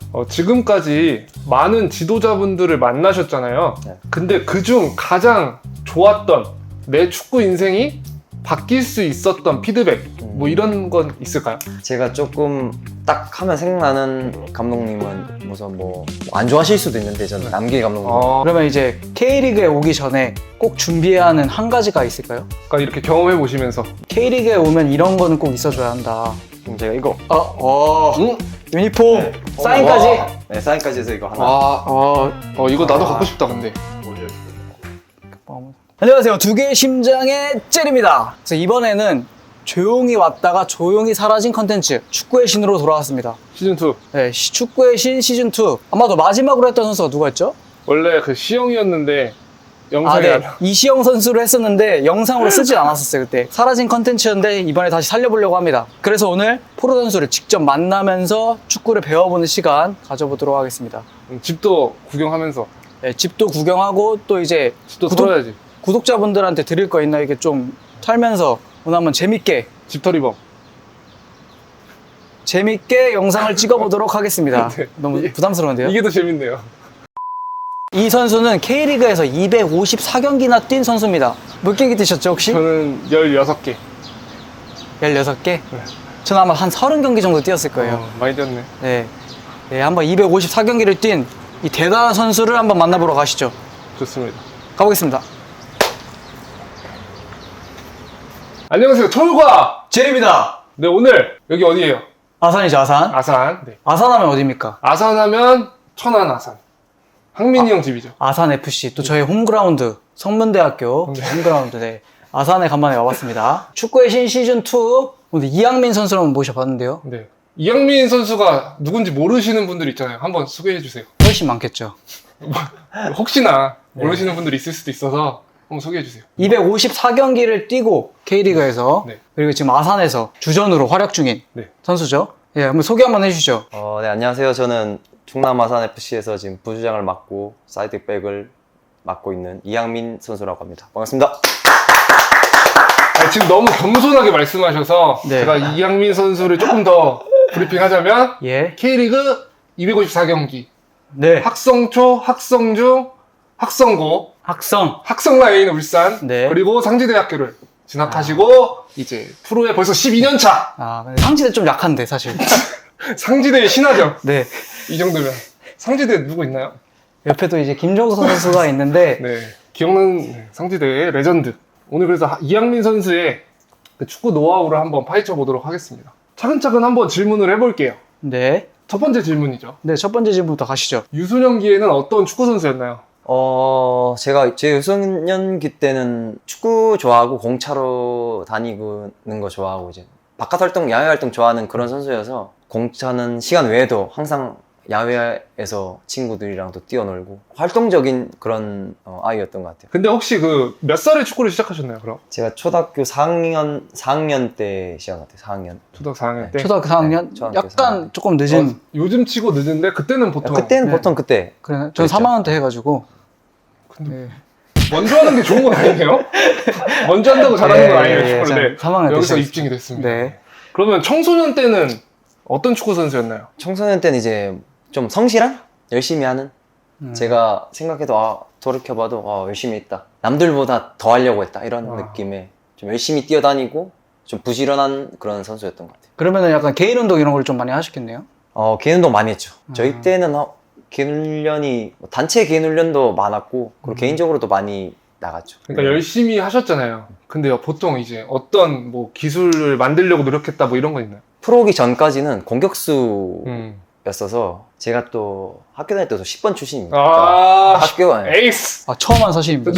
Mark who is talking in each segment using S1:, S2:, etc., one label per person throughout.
S1: 지금까지 많은 지도자분들을 만나셨잖아요.
S2: 네.
S1: 근데 그중 가장 좋았던 내 축구 인생이 바뀔 수 있었던 피드백 뭐 이런 건 있을까요?
S2: 제가 조금 딱 하면 생각나는 감독님은 우선 뭐 안 좋아하실 수도 있는데 저는 남길 감독님.
S3: 그러면 이제 K리그에 오기 전에 꼭 준비해야 하는 한 가지가 있을까요?
S1: 그러니까 이렇게 경험해 보시면서
S3: K리그에 오면 이런 거는 꼭 있어줘야 한다.
S2: 그럼 제가 이거
S3: 유니폼, 사인까지.
S2: 네, 사인까지 해서 이거 하나.
S1: 이거 나도 갖고 싶다 근데.
S3: 안녕하세요. 두 개의 심장의 젤입니다. 그래서 이번에는 조용히 왔다가 조용히 사라진 컨텐츠 축구의 신으로 돌아왔습니다.
S1: 시즌2
S3: 네, 축구의 신 시즌2. 아마도 마지막으로 했던 선수가 누구였죠?
S1: 원래 그 시영이었는데 영상에
S3: 네. 이시영 선수로 했었는데 영상으로 쓰진 않았었어요. 그때 사라진 컨텐츠였는데 이번에 다시 살려보려고 합니다. 그래서 오늘 프로 선수를 직접 만나면서 축구를 배워보는 시간 가져보도록 하겠습니다.
S1: 집도 구경하면서
S3: 네, 집도 구경하고 또 이제
S1: 집도 털어야지.
S3: 구독자분들한테 드릴 거 있나 이게 좀 털면서 오늘 한번
S1: 집털이범.
S3: 재밌게 영상을 찍어보도록 하겠습니다.
S1: 네.
S3: 너무 부담스러운데요?
S1: 이게 더 재밌네요.
S3: 이 선수는 K리그에서 254경기나 뛴 선수입니다. 몇 경기 뛰셨죠 혹시?
S1: 저는 16개.
S3: 16개? 저는 아마 한 30경기 정도 뛰었을 거예요.
S1: 많이 뛰었네.
S3: 네. 네, 한번 254경기를 뛴 이 대단한 선수를 한번 만나보러 가시죠.
S1: 좋습니다.
S3: 가보겠습니다.
S1: 안녕하세요. 철과
S3: 제리입니다.
S1: 네, 오늘 여기 어디예요?
S3: 아산이죠, 아산.
S1: 아산. 네.
S3: 아산하면 어디입니까?
S1: 아산하면 천안 아산. 항민이 형 집이죠.
S3: 아산 FC, 또 저희 홈그라운드, 성문대학교 홈그라운드. 네. 아산에 간만에 와봤습니다. 축구의 신 시즌2 오늘 이양민 선수를 한번 모셔봤는데요.
S1: 네. 이양민 선수가 누군지 모르시는 분들 있잖아요. 한번 소개해 주세요.
S3: 훨씬 많겠죠.
S1: 혹시나 모르시는 분들이 있을 수도 있어서 한번 소개해 주세요.
S3: 254경기를 뛰고 K리그에서
S1: 네.
S3: 그리고 지금 아산에서 주전으로 활약 중인
S1: 네.
S3: 선수죠. 예, 한번 소개 한번 해주시죠.
S2: 네, 안녕하세요. 저는 충남 아산 FC에서 지금 부주장을 맡고 사이드백을 맡고 있는 이양민 선수라고 합니다. 반갑습니다.
S1: 지금 너무 겸손하게 말씀하셔서
S3: 네.
S1: 제가 이양민 선수를 조금 더 브리핑하자면
S3: 예.
S1: K리그 254경기
S3: 네.
S1: 학성초, 학성중, 학성고,
S3: 학성.
S1: 학성라인 울산
S3: 네.
S1: 그리고 상지대학교를 진학하시고 이제 프로에 벌써 12년 차
S3: 근데 상지대 좀 약한데 사실.
S1: 상지대의 신화죠.
S3: 네.
S1: 이 정도면 상지대 누구 있나요?
S3: 옆에도 이제 김종석 선수가 있는데
S1: 네, 기억나는 상지대의 레전드. 오늘 그래서 이양민 선수의 그 축구 노하우를 한번 파헤쳐 보도록 하겠습니다. 차근차근 한번 질문을 해볼게요.
S3: 네.
S1: 첫 번째 질문이죠.
S3: 네, 첫 번째 질문부터 가시죠.
S1: 유소년기에는 어떤 축구 선수였나요?
S2: 제가 제 유소년기 때는 축구 좋아하고 공차로 다니는 거 좋아하고 이제 바깥 활동, 야외 활동 좋아하는 그런 선수여서 공차는 시간 외에도 항상 야외에서 친구들이랑도 뛰어놀고 활동적인 그런 아이였던 것 같아요.
S1: 근데 혹시 그 몇 살에 축구를 시작하셨나요, 그럼?
S2: 제가 초등학교 4학년 때 시작 같아요. 4학년.
S1: 초등학교 4학년 때?
S3: 초등학교 4학년?
S2: 네, 초등학교
S3: 약간
S2: 4학년.
S3: 조금 늦은.
S1: 요즘 치고 늦은데 그때는 보통
S2: 그때는
S3: 네.
S2: 보통 그때.
S3: 그래, 전
S2: 그랬죠.
S3: 3학년 때 해가지고.
S1: 근데
S3: 네.
S1: 먼저 하는 게 좋은 건 아니에요? 먼저 한다고 잘하는 건 아니에요,
S3: 예,
S1: 축구를.
S3: 전 3학년 때
S1: 여기서
S3: 시작했어요.
S1: 입증이 됐습니다.
S3: 네.
S1: 그러면 청소년 때는 어떤 축구 선수였나요?
S2: 청소년 때는 이제 좀 성실한? 열심히 하는? 제가 생각해도 돌이켜봐도 열심히 했다. 남들보다 더 하려고 했다. 이런 느낌의 좀 열심히 뛰어다니고 좀 부지런한 그런 선수였던 것 같아요.
S3: 그러면은 약간 개인 운동 이런 걸 좀 많이 하셨겠네요?
S2: 개인 운동 많이 했죠. 저희 때는 개인 훈련이 단체 개인 훈련도 많았고 그리고 개인적으로도 많이 나갔죠.
S1: 그러니까 열심히 하셨잖아요. 근데 보통 이제 어떤 뭐 기술을 만들려고 노력했다 뭐 이런 거 있나요?
S2: 프로 오기 전까지는 공격수
S1: 음.
S2: 였어서 제가 또 학교 다닐 때도 10번 출신입니다.
S1: 학교
S2: 네.
S1: 에이스!
S3: 처음 한 사실입니다.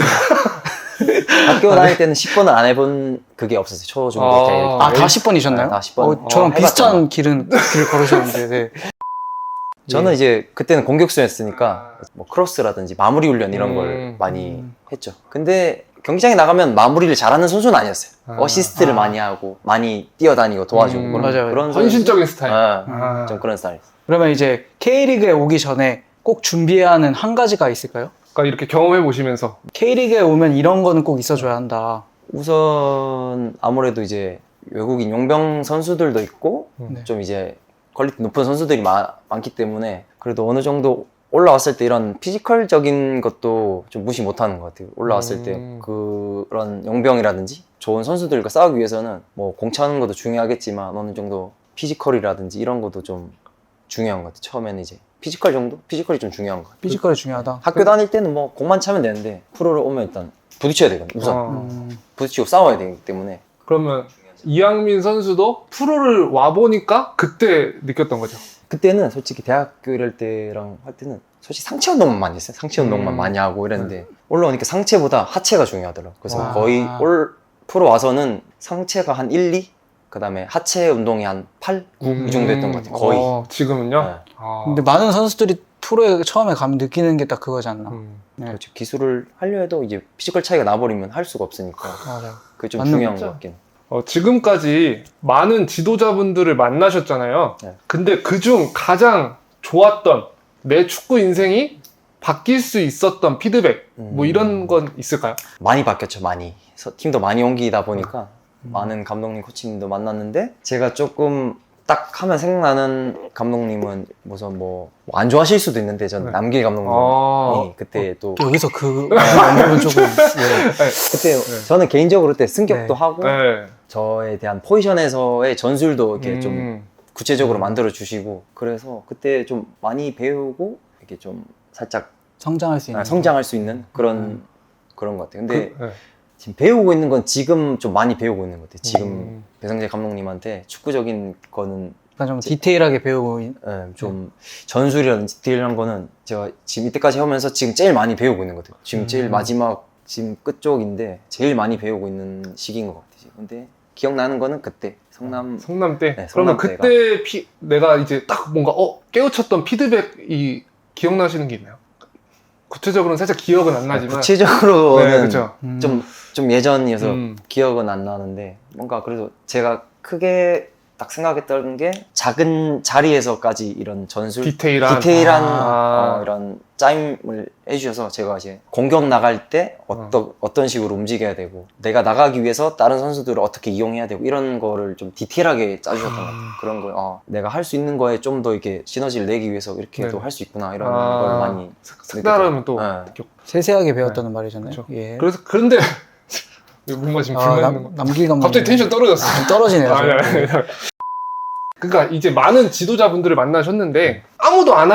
S2: 학교 다닐 때는 10번은 안 해본 그게 없었어요. 초, 중, 고 때.
S3: 다 10번이셨나요?
S2: 다 10번.
S3: 저랑
S2: 해봤잖아요.
S3: 비슷한 길을 걸으셨는데. 네.
S2: 저는 이제 그때는 공격수였으니까 뭐 크로스라든지 마무리 훈련 이런 걸 많이 했죠. 근데 경기장에 나가면 마무리를 잘하는 선수는 아니었어요. 어시스트를 많이 하고 많이 뛰어다니고 도와주고
S3: 맞아요.
S2: 그런
S1: 헌신적인 스타일.
S2: 좀 그런 스타일.
S3: 그러면 이제 K리그에 오기 전에 꼭 준비해야 하는 한 가지가 있을까요?
S1: 그러니까 이렇게 경험해 보시면서
S3: K리그에 오면 이런 거는 꼭 있어줘야 한다.
S2: 우선 아무래도 이제 외국인 용병 선수들도 있고
S3: 네.
S2: 좀 이제 퀄리티 높은 선수들이 많기 때문에 그래도 어느 정도 올라왔을 때 이런 피지컬적인 것도 좀 무시 못하는 것 같아요. 올라왔을 때 그런 용병이라든지 좋은 선수들과 싸우기 위해서는 뭐 공 차는 것도 중요하겠지만 어느 정도 피지컬이라든지 이런 것도 좀 중요한 것 같아요. 처음에는 이제 피지컬 정도? 피지컬이 좀 중요한 것 같아요.
S3: 피지컬이 중요하다.
S2: 학교 다닐 때는 뭐 공만 차면 되는데 프로를 오면 일단 부딪혀야 되거든요. 우선
S1: 어.
S2: 부딪히고 싸워야 되기 때문에
S1: 그러면 이양민 선수도 프로를 와보니까 그때 느꼈던 거죠.
S2: 그때는 솔직히 대학교 이럴 때랑 할 때는 솔직히 상체 운동만 많이 했어요. 상체 운동만 많이 하고 이랬는데 올라오니까 상체보다 하체가 중요하더라고요. 그래서
S3: 와.
S2: 거의 프로 와서는 상체가 한 1, 2? 그 다음에 하체 운동이 한 8, 9 이 정도 했던 것 같아요. 거의.
S1: 지금은요?
S2: 네.
S1: 아.
S3: 근데 많은 선수들이 프로에 처음에 가면 느끼는 게 딱 그거지 않나. 네.
S2: 그렇죠. 기술을 하려 해도 이제 피지컬 차이가 나버리면 할 수가 없으니까
S3: 맞아요.
S2: 그게 좀
S3: 맞는
S2: 중요한
S3: 거죠.
S2: 것 같긴 해요.
S1: 지금까지 많은 지도자분들을 만나셨잖아요.
S2: 네.
S1: 근데 그중 가장 좋았던 내 축구 인생이 바뀔 수 있었던 피드백 뭐 이런 건 있을까요?
S2: 많이 바뀌었죠. 많이. 팀도 많이 옮기다 보니까 많은 감독님, 코치님도 만났는데 제가 조금 딱 하면 생각나는 감독님은 우선 뭐 안 좋아하실 수도 있는데 전
S1: 네.
S2: 남길 감독님이
S1: 아.
S2: 그때 또
S3: 여기서 그 언급은 조금
S2: 그때 저는 개인적으로 그때 승격도
S3: 네.
S2: 하고
S1: 네.
S2: 저에 대한 포지션에서의 전술도 이렇게 좀 구체적으로 만들어 주시고 그래서 그때 좀 많이 배우고 이렇게 좀 살짝
S3: 성장할 수 있는
S2: 성장할 수 있는 그런 것 같아요. 근데
S1: 네.
S2: 지금 배우고 있는 건 지금 좀 많이 배우고 있는 것 같아요. 지금
S1: 음.
S2: 배성재 감독님한테 축구적인 거는
S3: 약간 좀 디테일하게 배우고
S2: 좀 전술이라든지 디테일한 거는 제가 지금 이때까지 하면서 지금 제일 많이 배우고 있는 것 같아요. 지금 제일 마지막 지금 끝쪽인데 제일 많이 배우고 있는 시기인 것 같아요. 근데 기억나는 거는 그때 성남
S1: 때?
S2: 네,
S1: 그러면
S2: 성남
S1: 그때 내가 이제 딱 뭔가 깨우쳤던 피드백이 기억나시는 게 있나요? 구체적으로는 살짝 기억은 안 나지만
S2: 구체적으로는
S1: 네, 그렇죠.
S2: 좀 예전이어서
S1: 음.
S2: 기억은 안 나는데 뭔가 그래도 제가 크게 딱 생각했던 게 작은 자리에서까지 이런 전술
S1: 디테일한
S2: 이런 짜임을 해주셔서 제가 이제 공격 나갈 때 어떤 식으로 움직여야 되고 내가 나가기 위해서 다른 선수들을 어떻게 이용해야 되고 이런 거를 좀 디테일하게 짜주셨던 것 같아요. 그런 걸 내가 할 수 있는 거에 좀 더 이렇게 시너지를 내기 위해서 이렇게도
S1: 네.
S2: 할 수 있구나 이런 걸 많이
S1: 색다름은 또
S2: 네.
S1: 느꼈고.
S3: 세세하게 배웠다는 말이잖아요.
S1: 그렇죠.
S3: 예.
S1: 그런데 뭔가 지금 불만 있는 거
S3: 남길 감독님
S1: 갑자기 텐션 떨어졌어.
S3: 떨어지네요.
S1: 아니. 그러니까 이제 많은 지도자분들을 만나셨는데 아무도 안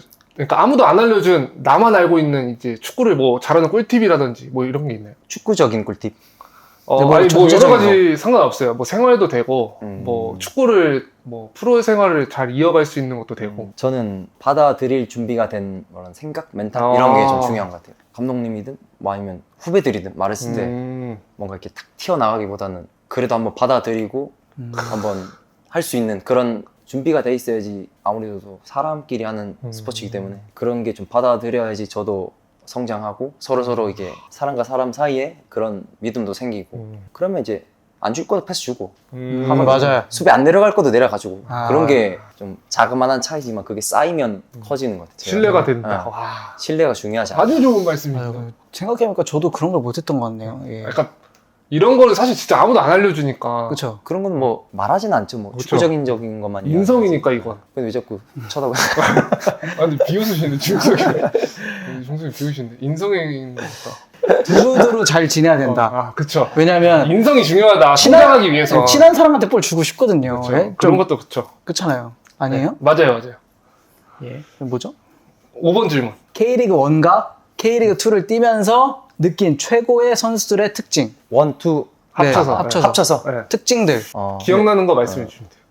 S1: 알려준 나만 알고 있는 이제 축구를 뭐 잘하는 꿀팁이라든지 뭐 이런 게 있나요?
S2: 축구적인 꿀팁.
S3: 네, 뭐
S1: 아니 뭐 여러
S3: 전체적인
S1: 가지 상관없어요. 뭐 생활도 되고
S2: 음.
S1: 뭐 축구를 뭐 프로 생활을 잘 이어갈 수 있는 것도 되고.
S2: 저는 받아들일 준비가 된 그런 생각, 멘탈
S1: 아.
S2: 이런 게 좀 중요한 것 같아요. 감독님이든 뭐 아니면 후배들이든 말했을 때
S1: 음.
S2: 뭔가 이렇게 탁 튀어나가기보다는 그래도 한번 받아들이고 한번 할 수 있는 그런 준비가 돼 있어야지 아무래도 사람끼리 하는 스포츠이기 때문에 그런 게 좀 받아들여야지 저도 성장하고 서로 이게 사람과 사람 사이에 그런 믿음도 생기고 그러면 이제 안 줄 거도 패스 주고 하면
S3: 맞아요.
S2: 수비 안 내려갈 것도 내려가지고
S3: 아.
S2: 그런 게 좀 자그마한 차이지만 그게 쌓이면 커지는 것 같아요.
S1: 신뢰가 된다.
S2: 네.
S1: 와,
S2: 신뢰가 중요하지 않아요.
S1: 아주 좋은 말씀입니다.
S3: 아유, 생각해보니까 저도 그런 걸 못했던 것 같네요. 예.
S1: 약간 이런 거는 사실 진짜 아무도 안 알려주니까.
S3: 그렇죠.
S2: 그런 건 뭐 말하진 않죠. 뭐
S1: 그쵸.
S2: 축구적인 것만
S1: 인성이니까 이건.
S2: 근데 왜 자꾸 쳐다봐?
S1: 근데 비웃으시네 중석이. 중석이 비웃으신데 인성인 거니까.
S3: 두루두루 잘 지내야 된다.
S1: 그쵸.
S3: 왜냐면
S1: 인성이 중요하다. 성장하기 위해서.
S3: 친한 사람한테 볼 주고 싶거든요.
S1: 그쵸.
S3: 예?
S1: 그런 것도 그쵸.
S3: 그렇잖아요. 아니에요?
S1: 맞아요.
S3: 예. 그럼 뭐죠?
S1: 5번 질문.
S3: K리그 1과 K리그 2를 뛰면서 느낀 최고의 선수들의 특징.
S2: 1, 2
S1: 합쳐서.
S2: 합쳐서
S1: 네.
S3: 특징들.
S1: 기억나는 거 말씀해 주시면 돼요.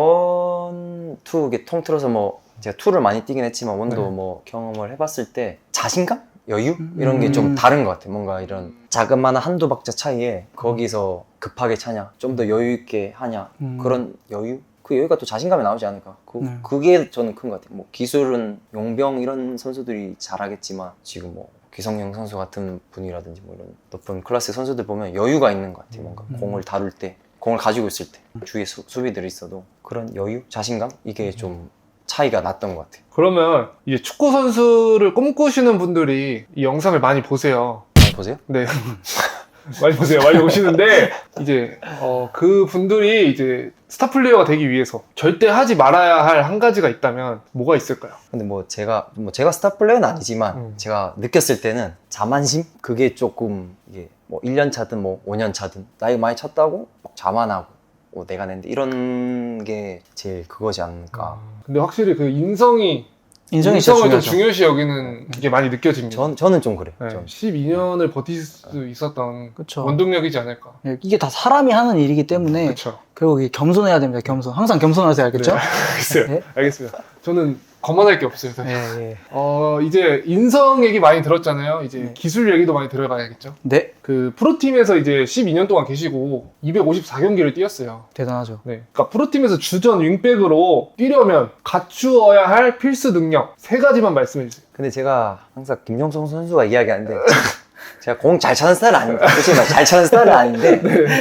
S2: 1, 2 이게 통틀어서 뭐 제가 2를 많이 뛰긴 했지만 1도
S1: 네.
S2: 뭐 경험을 해봤을 때 자신감? 여유? 이런 게 좀 다른 것 같아요. 뭔가 이런 자그마한 한두 박자 차이에 거기서 급하게 차냐, 좀 더 여유 있게 하냐, 그런 여유? 그 여유가 또 자신감이 나오지 않을까. 그게 저는 큰 것 같아요. 뭐 기술은 용병 이런 선수들이 잘하겠지만 지금 뭐 기성용 선수 같은 분이라든지 뭐 이런 높은 클래스 선수들 보면 여유가 있는 것 같아요. 뭔가 공을 다룰 때, 공을 가지고 있을 때 주위에 수비들이 있어도 그런 여유, 자신감 이게 좀 차이가 났던 것 같아요.
S1: 그러면 이제 축구 선수를 꿈꾸시는 분들이 이 영상을 많이 보세요.
S2: 많이 보세요?
S1: 네. 많이 보세요. 많이 오시는데 이제 그 분들이 이제 스타 플레이어가 되기 위해서 절대 하지 말아야 할 한 가지가 있다면 뭐가 있을까요?
S2: 근데 제가 스타 플레이어는 아니지만 제가 느꼈을 때는 자만심? 그게 조금 이게 뭐 1년 차든 뭐 5년 차든 나이 많이 찼다고 막 자만하고 내가 낸데 이런 게 제일 그거지 않을까.
S1: 근데 확실히 그 인성을
S3: 인성이
S1: 좀
S3: 진짜 중요하죠.
S1: 중요시 여기는 게 많이 느껴집니다.
S2: 저는 좀 그래요.
S1: 네,
S2: 좀.
S1: 12년을 버틸 수 있었던
S3: 그쵸.
S1: 원동력이지 않을까.
S3: 예, 이게 다 사람이 하는 일이기 때문에
S1: 그렇죠.
S3: 결국 이게 겸손해야 됩니다. 겸손. 항상 겸손하세요. 알겠죠?
S1: 네, 알겠어요.
S3: 네.
S1: 알겠습니다. 저는 거만할 게 없어요. 사실.
S3: 예, 예.
S1: 이제 인성 얘기 많이 들었잖아요. 이제
S3: 네.
S1: 기술 얘기도 많이 들어가야겠죠.
S3: 네.
S1: 그 프로팀에서 이제 12년 동안 계시고 254경기를 뛰었어요.
S3: 대단하죠.
S1: 네. 그러니까 프로팀에서 주전 윙백으로 뛰려면 갖추어야 할 필수 능력 3가지만 말씀해 주세요.
S2: 근데 제가 항상 김종성 선수가 이야기하는데 제가 공 잘 차는 스타일은 아닙니다. 솔직히 말 잘 차는 스타일은 아닌데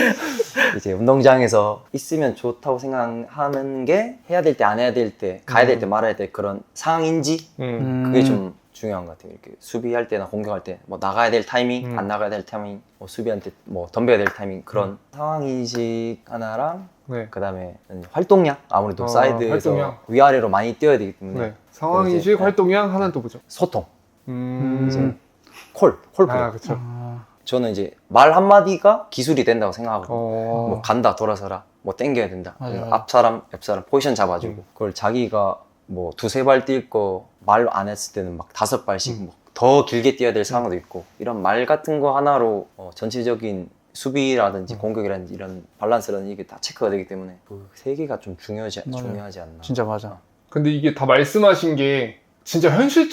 S2: 이제 운동장에서 있으면 좋다고 생각하는 게 해야 될 때 안 해야 될 때 가야 될 때 말아야 될 그런 상황인지 그게 좀 중요한 것 같아요. 이렇게 수비할 때나 공격할 때 뭐 나가야 될 타이밍, 안 나가야 될 타이밍, 뭐 수비한테 뭐 덤벼야 될 타이밍 그런 상황 인식 하나랑
S1: 네.
S2: 그다음에 활동량 아무래도 사이드에서
S1: 활동량.
S2: 위아래로 많이 뛰어야 되기 때문에
S1: 네. 상황인식,
S2: 이제,
S1: 활동량 하나는 또 뭐죠?
S2: 소통,
S1: 음.
S2: 콜 플레이.
S1: 그렇죠.
S2: 저는 이제 말 한마디가 기술이 된다고 생각하고
S1: 어.
S2: 뭐 간다 돌아서라 뭐 땡겨야 된다
S3: 맞아요.
S2: 앞 사람 옆 사람 포지션 잡아주고 그걸 자기가 뭐 2-3발 뛸 거 말 안 했을 때는 막 5발씩 뭐 더 길게 뛰어야 될 상황도 있고 이런 말 같은 거 하나로 전체적인 수비라든지 공격이라든지 이런 밸런스라든지 이게 다 체크가 되기 때문에 그 3개가 좀 중요하지
S3: 맞아요.
S2: 않나.
S3: 진짜 맞아.
S1: 근데 이게 다 말씀하신 게 진짜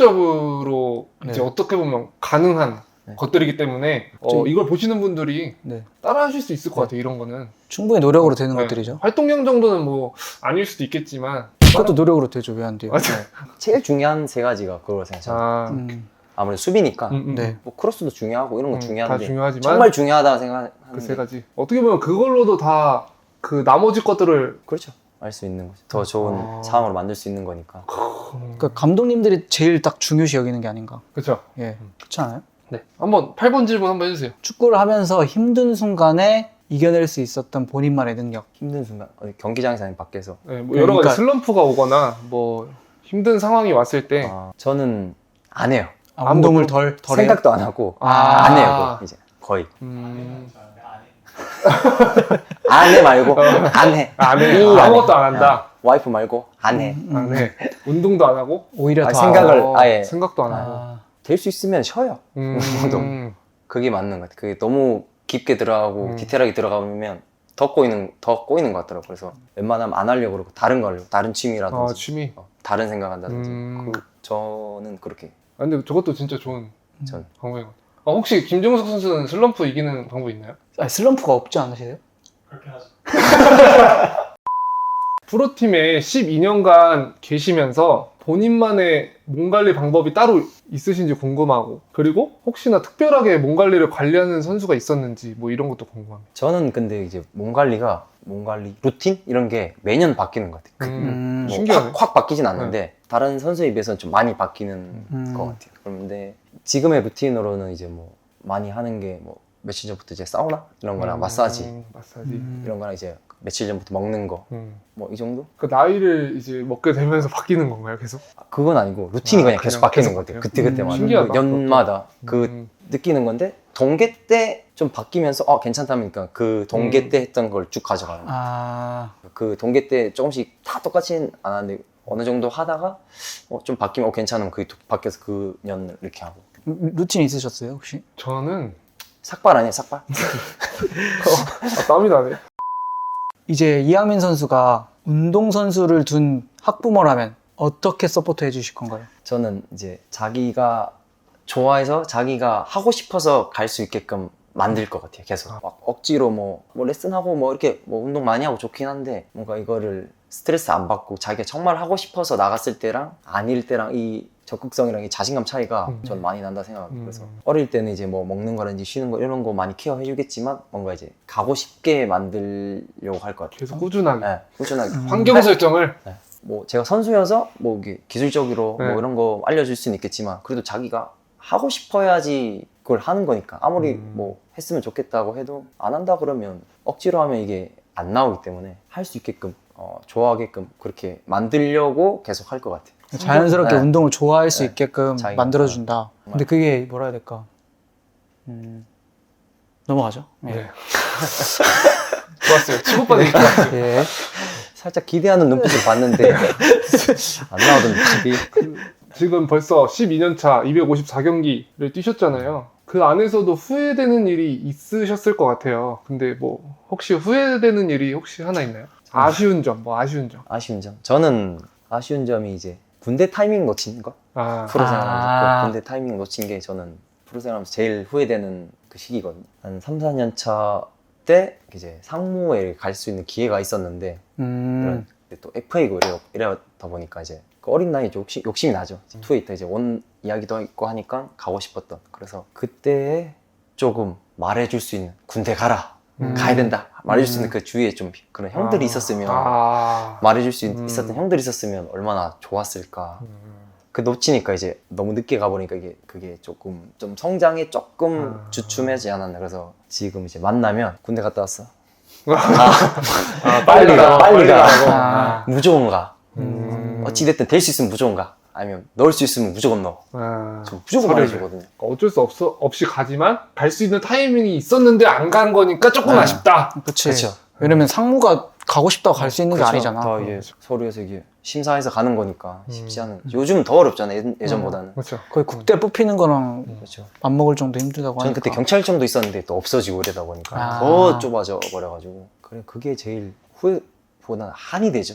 S1: 현실적으로
S3: 네.
S1: 이제 어떻게 보면 가능한
S2: 네.
S1: 것들이기 때문에 이걸 보시는 분들이
S3: 네.
S1: 따라 하실 수 있을 것 같아요. 이런 거는.
S3: 충분히 노력으로 되는
S1: 네.
S3: 것들이죠.
S1: 활동량 정도는 뭐 아닐 수도 있겠지만
S3: 그것도 노력으로 되죠. 왜 안 돼요?
S1: 맞아요.
S2: 제일 중요한 3가지가 그걸 생각해요.
S1: 아,
S2: 아무래도 수비니까
S3: 네.
S2: 뭐 크로스도 중요하고 이런 건
S1: 다
S2: 중요한데
S1: 중요하지만
S2: 정말 중요하다고 생각하는데
S1: 그 3가지. 어떻게 보면 그걸로도 다 그 나머지 것들을
S2: 그렇죠. 알 수 있는 거죠. 더 좋은 상황으로 만들 수 있는 거니까.
S3: 그러니까 감독님들이 제일 딱 중요시 여기는 게 아닌가.
S1: 그렇죠.
S3: 예. 그렇지 않아요?
S1: 네. 한번 8번 질문 한번 해주세요.
S3: 축구를 하면서 힘든 순간에 이겨낼 수 있었던 본인만의 능력.
S2: 힘든 순간 어디 경기장에서 아니면 밖에서
S1: 네, 뭐 여러
S3: 그러니까-
S1: 가지 슬럼프가 오거나 뭐 힘든 상황이 왔을 때
S2: 저는 안 해요.
S3: 운동을 덜 해요?
S2: 생각도 안 하고
S1: 아.
S2: 안 해요. 그거 이제 거의 안 해 말고 안 해.
S1: 안 해.
S2: 안 해.
S1: 아무것도 안 한다.
S2: 와이프 말고 안 해.
S1: 안 해. 운동도 안 하고
S3: 오히려
S2: 아,
S3: 더
S2: 생각을
S1: 어,
S2: 아예
S1: 생각도 안 하고.
S3: 아,
S2: 될 수 있으면 쉬어요. 그게 맞는 것 같아요. 그게 너무 깊게 들어가고 디테일하게 들어가면 더 꼬이는 것 같더라고요. 그래서 웬만하면 안 하려고 그러고 다른 거 하려고 다른 취미라든지
S1: 취미.
S2: 다른 생각한다든지 저는 그렇게
S1: 아, 근데 저것도 진짜 좋은
S2: 전
S1: 방법인 것 같아요. 혹시 김종석 선수는 슬럼프 이기는 방법 있나요?
S3: 아니, 슬럼프가 없지 않으세요?
S1: 프로팀에 12년간 계시면서 본인만의 몸 관리 방법이 따로 있으신지 궁금하고, 그리고 혹시나 특별하게 몸 관리를 관리하는 선수가 있었는지 뭐 이런 것도 궁금합니다.
S2: 저는 근데 이제 몸 관리 루틴 이런 게 매년 바뀌는 것 같아요. 뭐
S1: 신기하네.
S2: 확 바뀌진 않는데 다른 선수에 비해서는 좀 많이 바뀌는 것 같아요. 그런데 지금의 루틴으로는 이제 뭐 많이 하는 게 뭐 며칠 전부터 이제 사우나 이런 거랑 마사지 이런 거랑 이제 며칠 전부터 먹는 거 뭐 이 정도?
S1: 그 나이를 이제 먹게 되면서 바뀌는 건가요, 계속?
S2: 그건 아니고 루틴이 그냥 계속 바뀌는
S1: 계속
S2: 것 같아요.
S1: 바뀌어요?
S2: 그때마다
S1: 신기하다.
S2: 연마다 그 느끼는 건데 동계 때 좀 바뀌면서 괜찮다니까 그 동계 때 했던 걸 쭉 가져가는 거예요.
S3: 아,
S2: 그 동계 때 조금씩 다 똑같진 않았는데 어느 정도 하다가 좀 바뀌면 괜찮으면 그게 바뀌어서 그 년을 이렇게 하고.
S3: 루틴 있으셨어요, 혹시?
S1: 저는
S2: 삭발 아니에요, 삭발?
S1: 땀이 나네.
S3: 이제 이항민 선수가 운동선수를 둔 학부모라면 어떻게 서포트 해주실 건가요?
S2: 저는 이제 자기가 좋아해서 자기가 하고 싶어서 갈 수 있게끔 만들 것 같아요. 계속 막 억지로 뭐 레슨하고 뭐 이렇게 뭐 운동 많이 하고 좋긴 한데 뭔가 이거를 스트레스 안 받고 자기가 정말 하고 싶어서 나갔을 때랑 아닐 때랑 이 적극성이랑 이 자신감 차이가 저는 많이 난다 생각합니다. 그래서 어릴 때는 이제 뭐 먹는 거라든지 쉬는 거 이런 거 많이 케어해 주겠지만 뭔가 이제 가고 싶게 만들려고 할 것 같아요.
S1: 계속 꾸준하게.
S2: 네, 꾸준하게.
S1: 환경 설정을.
S2: 뭐 제가 선수여서 뭐 이게 기술적으로
S1: 네.
S2: 뭐 이런 거 알려줄 수는 있겠지만 그래도 자기가 하고 싶어야지 그걸 하는 거니까 아무리 뭐 했으면 좋겠다고 해도 안 한다 그러면 억지로 하면 이게 안 나오기 때문에 할 수 있게끔 좋아하게끔 그렇게 만들려고 계속 할 것 같아요.
S3: 자연스럽게
S2: 네.
S3: 운동을 좋아할 수
S2: 네.
S3: 있게끔
S2: 자기가-
S3: 만들어준다. 근데 그게 뭐라 해야 될까? 넘어가죠. 예.
S1: 네. 좋았어요. 치고받은 게 좋았어요.
S3: 예.
S2: 살짝 기대하는 눈빛을 봤는데 안 나오던데 답이.
S1: 지금 벌써 12년 차 254경기를 뛰셨잖아요. 그 안에서도 후회되는 일이 있으셨을 것 같아요. 근데 뭐 혹시 후회되는 일이 혹시 하나 있나요? 아쉬운 점, 뭐 아쉬운 점.
S2: 아쉬운 점. 저는 아쉬운 점이 이제 군대 타이밍 놓친 거.
S1: 아,
S2: 프로 생활하면서
S3: 아.
S2: 군대 타이밍 놓친 게 저는 프로 생활하면서 제일 후회되는 그 시기거든요. 한 3, 4년 차 때 이제 상무에 갈 수 있는 기회가 있었는데 이런 또 FA고 이러다 보니까 이제 그 어린 나이에 욕심이 나죠. 투에 있다 이제 온 이야기도 있고 하니까 가고 싶었던. 그래서 그때 조금 말해줄 수 있는 군대 가라. 가야 된다. 말해줄 수 있는 그 주위에 좀 그런 형들이 있었으면 말해줄 수 있었던 형들이 있었으면 얼마나 좋았을까. 그 놓치니까 이제 너무 늦게 가버리니까 그게 조금 좀 성장에 조금 주춤하지 않았나. 그래서 지금 이제 만나면 군대 갔다 왔어. 빨리 가.
S3: 아.
S2: 무조건 가. 어찌됐든 될 수 있으면 무조건 가. 아니면 넣을 수 있으면 무조건 넣어. 좀 무조건
S1: 서류를.
S2: 말해주거든요.
S1: 어쩔 수 없이 가지만 갈 수 있는 타이밍이 있었는데 안 간 거니까 조금
S2: 네.
S1: 아쉽다.
S3: 그치.
S2: 그렇죠.
S3: 왜냐면 상무가 가고 싶다고 갈 수 있는 게
S2: 그쵸.
S3: 아니잖아.
S2: 더 이게 서류에서 이게 심사해서 가는 거니까 쉽지 않은. 요즘은 더 어렵잖아요. 예전보다는.
S1: 그렇죠.
S3: 거의 국대 뽑히는 거랑
S2: 그렇죠.
S3: 맞먹을 정도 힘들다고
S2: 저는
S3: 하니까.
S2: 그때 경찰청도 있었는데 또 없어지고 이러다 보니까
S3: 아.
S2: 더 좁아져 버려가지고 그게 제일 후회보다 한이 되죠.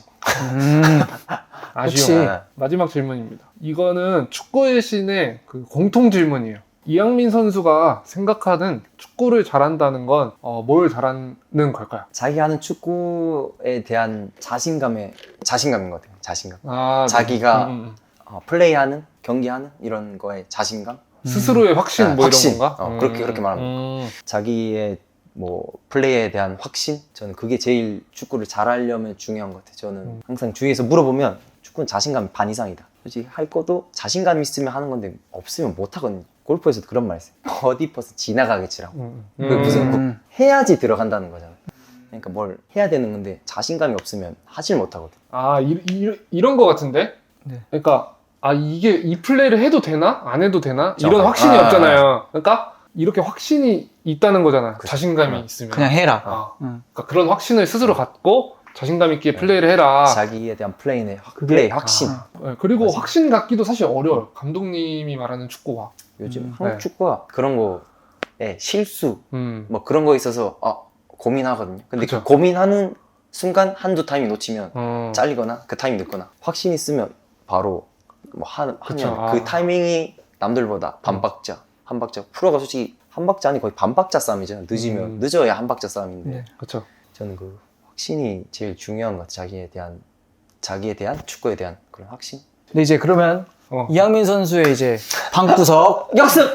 S1: 아쉬워.
S2: 네.
S1: 마지막 질문입니다. 이거는 축구의 신의 그 공통 질문이에요. 이양민 선수가 생각하는 축구를 잘한다는 건 뭘 잘하는 걸까요?
S2: 자기 하는 축구에 대한 자신감인 것 같아요. 자신감.
S1: 아,
S2: 자기가
S1: 음.
S2: 플레이하는, 경기하는 이런 거에 자신감.
S1: 스스로의 확신
S2: 네,
S1: 뭐
S2: 확신.
S1: 이런 건가?
S2: 그렇게 말하면 자기의 뭐 플레이에 대한 확신. 저는 그게 제일 축구를 잘하려면 중요한 것 같아요. 저는 항상 주위에서 물어보면 축구는 자신감이 반 이상이다. 솔직히 할 것도 자신감 있으면 하는 건데 없으면 못 하거든요. 골프에서도 그런 말 있어요. 버디 퍼스 지나가게 치라고. 그 무슨 해야지 들어간다는 거잖아요. 그러니까 뭘 해야 되는 건데 자신감이 없으면 하질 못하거든.
S1: 아, 이런 거 같은데?
S3: 네.
S1: 그러니까, 이게 이 플레이를 해도 되나? 안 해도 되나?
S2: 저,
S1: 이런 확신이
S2: 아,
S1: 없잖아요. 그러니까, 이렇게 확신이 있다는 거잖아.
S2: 그쵸.
S1: 자신감이 있으면.
S3: 그냥 해라.
S1: 그러니까 그런 확신을 스스로 갖고 자신감 있게 플레이를 해라.
S2: 자기에 대한 플레이 확신.
S1: 네, 그리고
S2: 맞아.
S1: 확신 갖기도 사실 어려워요. 감독님이 말하는 축구가.
S2: 요즘
S1: 네.
S2: 한국 축구가 그런 거에 실수
S1: 음.
S2: 뭐 그런 거 있어서 고민하거든요. 근데
S1: 그쵸.
S2: 그 고민하는 순간 한두 타임이 놓치면
S1: 어.
S2: 잘리거나 그 타임이 늦거나 확신 있으면 바로 뭐
S1: 그쵸.
S2: 하면 그 타이밍이 남들보다 한 박자 프로가 솔직히 한 박자 아니 거의 반 박자 싸움이잖아요. 늦으면 늦어야 한 박자 싸움인데
S3: 네.
S1: 그렇죠.
S2: 저는 그 확신이 제일 중요한 것 같아요. 자기에 대한 축구에 대한 그런 확신.
S3: 근데 이제 그러면
S1: 어.
S3: 이양민 선수의 이제 방구석 역습!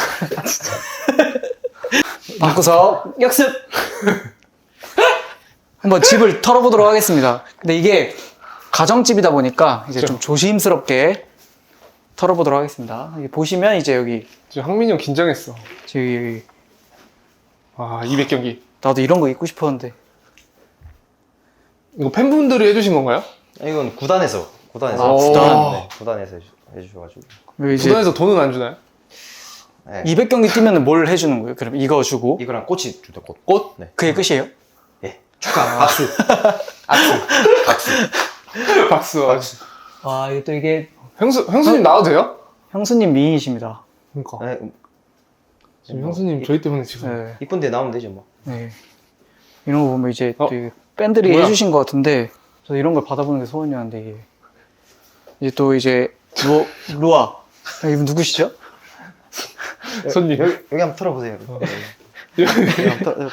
S3: 방구석 역습! 한번 집을 털어보도록 하겠습니다. 근데 이게 가정집이다 보니까 이제 좀 조심스럽게 털어보도록 하겠습니다. 여기 보시면 이제 여기
S1: 지금 황민이 형 긴장했어.
S3: 저기
S1: 200경기.
S3: 나도 이런 거 입고 싶었는데
S1: 이거 팬분들이 해주신 건가요?
S2: 이건 구단에서
S3: 구단?
S2: 네, 구단에서 해주셔가지고.
S3: 여기 이제
S1: 구단에서 돈은 안 주나요?
S2: 네.
S3: 200경기 뛰면 뭘 해주는 거예요? 그럼 이거 주고
S2: 이거랑 꽃이 주다 꽃.
S1: 꽃?
S2: 네.
S3: 그게 끝이에요?
S2: 예. 축하. 박수. 박수.
S1: 박수.
S3: 와 이게 또 이게
S1: 형수님 나와도 돼요?
S3: 형수님 미인이십니다.
S1: 그러니까.
S2: 네,
S1: 지금 형수님 저희 때문에 지금.
S3: 네.
S2: 이쁜데 나오면 되죠 뭐.
S3: 네. 이런 거 보면 이제 또 이게 팬들이
S1: 뭐야?
S3: 해주신 것 같은데 저 이런 걸 받아보는 게 소원이었는데 이게 이제 또 이제 루아 이분 누구시죠?
S1: 손님.
S2: 여기 한번 털어보세요.
S1: 여기,
S2: 털어보세요.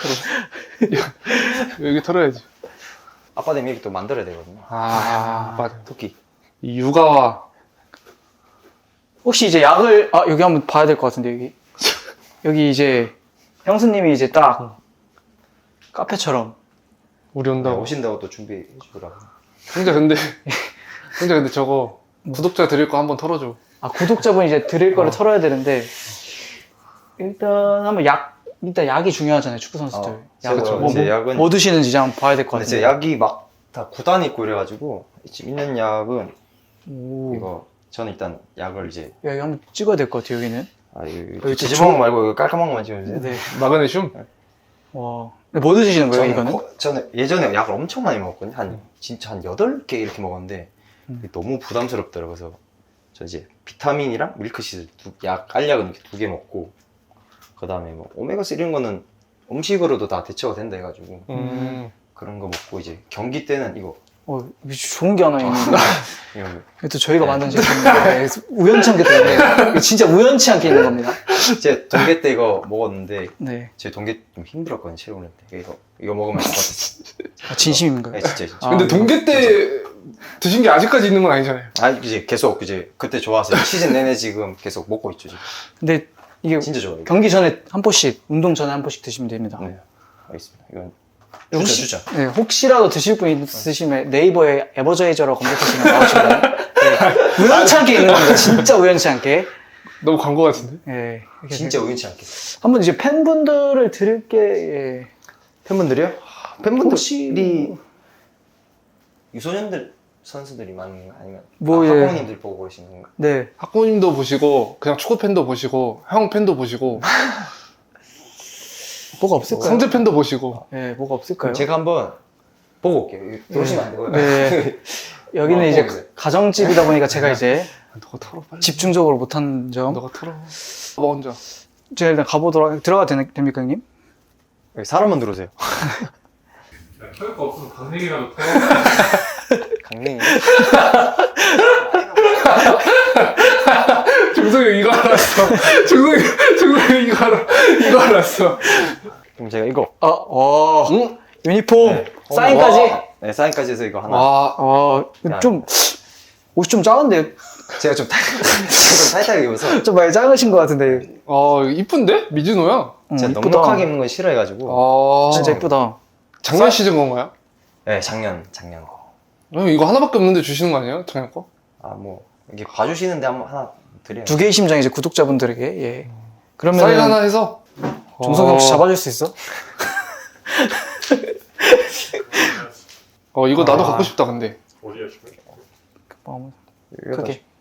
S1: 여기 털어야지.
S2: 아빠 되면 이렇게 또 만들어야 되거든요.
S1: 맞아.
S2: 토끼.
S1: 이 육아와
S3: 혹시 이제 약을 여기 한번 봐야 될 것 같은데 여기 이제 형수님이 이제 딱 카페처럼
S1: 우리 온다고.
S2: 오신다고 또 준비해 주더라고.
S1: 형제 근데 저거 구독자 드릴 거 한번 털어줘.
S3: 구독자분 이제 드릴 거를 털어야 되는데 일단 한번 일단 약이 중요하잖아요, 축구 선수들.
S2: 제가 제 약은
S3: 뭐 드시는지 한번 봐야 될 것
S2: 근데 제
S3: 같아요.
S2: 약이 막 다 구단이 있고 이래가지고 지금 있는 약은
S3: 오.
S2: 이거 저는 일단 약을 이제
S3: 여기 한번 찍어야 될 것 같아요, 여기는.
S2: 이거 지지방 말고 이거 깔끔한 것만 찍어주세요.
S3: 네.
S1: 마그네슘?
S3: 와. 근데 뭐 드시는 거예요, 이거는?
S2: 저는 예전에 약을 엄청 많이 먹었거든요. 진짜 한 8개 이렇게 먹었는데 이게 너무 부담스럽더라고요. 그래서 저 이제 비타민이랑 밀크시슬 알약은 이렇게 2개 먹고 그 다음에 뭐 오메가3 이런 거는 음식으로도 다 대처가 된다 해가지고 그런 거 먹고 이제 경기 때는 이거
S3: 이거 좋은 게 하나 있는데.
S2: 이런 거.
S3: 이것도 저희가 만든 제품인데 우연치 않게 때문에 이거 진짜 우연치 않게 있는 겁니다.
S2: 제 동계 때 이거 먹었는데
S3: 네.
S2: 제 동계 좀 힘들었거든요. 체력을 때 이거 먹으면 될 것 같았어요.
S3: 진심인가요?
S2: 네, 진짜.
S1: 근데
S3: 네.
S1: 동계 때 드신 게 아직까지 있는 건 아니잖아요.
S2: 이제 계속 이제 그때 좋아서 시즌 내내 지금 계속 먹고 있죠. 지금.
S3: 근데 이게
S2: 진짜 좋아요.
S3: 경기 전에 한 포씩, 운동 전에 한 포씩 드시면 됩니다.
S2: 네, 알겠습니다. 이건
S3: 혹시,
S2: 추천.
S3: 네, 혹시라도 드실 분 있으시면 네이버에 에버저이저라고 검색하시면 나오시거든요. 네, 우연치 않게 있는 겁니다. 진짜 우연치 않게.
S1: 너무 광고 같은데?
S3: 네, 이렇게
S2: 진짜 우연치 않게.
S3: 한번 이제 팬분들을 드릴 게 예.
S2: 팬분들이요?
S3: 혹시
S2: 팬분들이 유소년들 선수들이 많은 거 아니면
S3: 뭐, 예.
S2: 학부모님들 보고 계시는 건가?
S3: 네.
S1: 학부모님도 보시고 그냥 축구 팬도 보시고 형 팬도 보시고
S3: 뭐가 없을까요?
S1: 성재 팬도 보시고
S3: 네, 뭐가 없을까요?
S2: 제가 한번 보고 올게요. 들어오시면 안 되고요.
S3: 네. 여기는 이제
S2: 보고 오세요.
S3: 가정집이다 보니까 제가 이제
S1: 너가 털어 빨리.
S3: 집중적으로 못한 점.
S1: 너가 털어. 뭐 혼자.
S3: 제가 일단 들어가도 됩니까, 형님?
S2: 여기 사람만 들어오세요.
S1: 털 거 없으면 강냉이라도 털어.
S2: 강냉이.
S1: 중성이 이거 알았어. 중성이 이거 알았어.
S2: 그럼 제가 이거.
S1: 응?
S3: 유니폼,
S1: 와.
S3: 사인까지.
S2: 네, 사인까지 해서 이거 하나.
S1: 와.
S3: 좀, 옷이 좀 작은데?
S2: 제가 좀 타이트하게 입어서
S3: 좀 많이 작으신 것 같은데.
S1: 이쁜데? 미즈노야.
S2: 제가
S3: 이쁘다.
S2: 넉넉하게 입는 건 싫어해가지고.
S3: 진짜 이쁘다.
S1: 작년 시즌 건가요?
S2: 네, 작년.
S1: 이거 하나밖에 없는데 주시는 거 아니에요? 작년 거?
S2: 뭐 이게 봐주시는데 한번 하나 드려요.
S3: 두 개의 심장 이제 구독자분들에게, 예. 그러면
S1: 사인 하나 해서?
S3: 종석이 혹시 잡아줄 수 있어?
S1: 이거 나도 갖고 싶다 근데.
S4: 어디야 지금?
S3: 크게.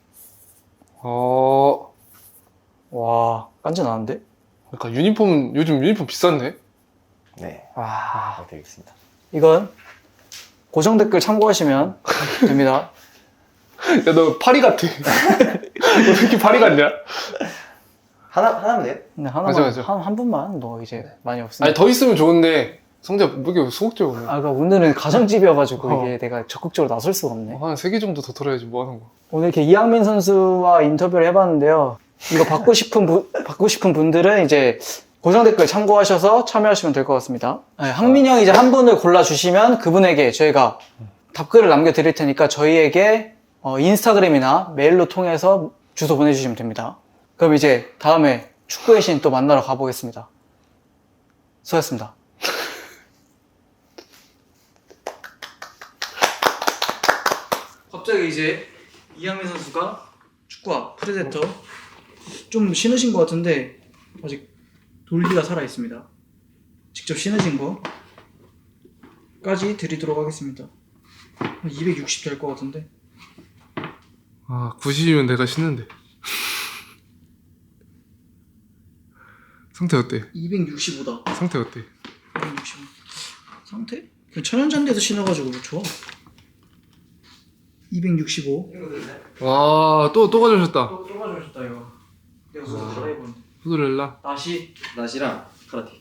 S1: 그러니까
S3: 깐지 나는데?
S1: 요즘 유니폼 비싼데?
S2: 네,
S3: 와.
S2: 드리겠습니다.
S3: 이건 고정 댓글 참고하시면 됩니다.
S1: 야, 너 파리 같아. 너 왜 이렇게 파리 같냐?
S2: 하나면 돼요?
S3: 근데 하나만,
S1: 맞아.
S3: 한 분만 뭐 이제 많이 없으니까.
S1: 아니, 더 있으면 좋은데, 성재, 왜 이렇게 소극적이야, 오늘?
S3: 그러니까 오늘은 가정집이어가지고
S1: 어.
S3: 이게 내가 적극적으로 나설 수가 없네.
S1: 한 3개 정도 더 털어야지, 뭐 하는 거.
S3: 오늘 이렇게 이항민 선수와 인터뷰를 해봤는데요. 이거 받고 싶은 분들은 이제 고정 댓글 참고하셔서 참여하시면 될 것 같습니다. 네, 항민 형이 이제 한 분을 골라주시면 그분에게 저희가 답글을 남겨드릴 테니까 저희에게 인스타그램이나 메일로 통해서 주소 보내주시면 됩니다. 그럼 이제 다음에 축구의 신 또 만나러 가보겠습니다. 수고하셨습니다. 갑자기 이제 이항민 선수가 축구와 프레데터 좀 신으신 것 같은데 아직 돌기가 살아 있습니다. 직접 신으신 거까지 드리도록 하겠습니다. 260 될 것 같은데.
S1: 90이면 내가 신는데. 상태 어때?
S3: 265다.
S1: 상태 어때?
S3: 265. 상태? 그냥 천연잔디에서 신어가지고 좋아. 265.
S1: 와, 또 가져오셨다.
S3: 또 가져오셨다 이거. 내가 그거 갈아입었는데.
S1: 후드렐라.
S2: 나시랑 카라티.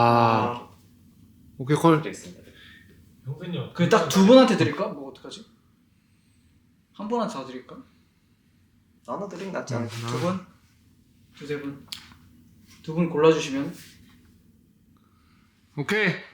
S1: 오케이, 콜.
S2: 드리겠습니다.
S4: 형근이 형.
S3: 그냥 딱 두 분한테 드릴까? 뭐 어떡하지? 한 분한테 다 드릴까?
S2: 나눠 드리면 낫지 않을까?
S3: 두 분? 두세 분? 두 분 골라주시면
S1: 오케이.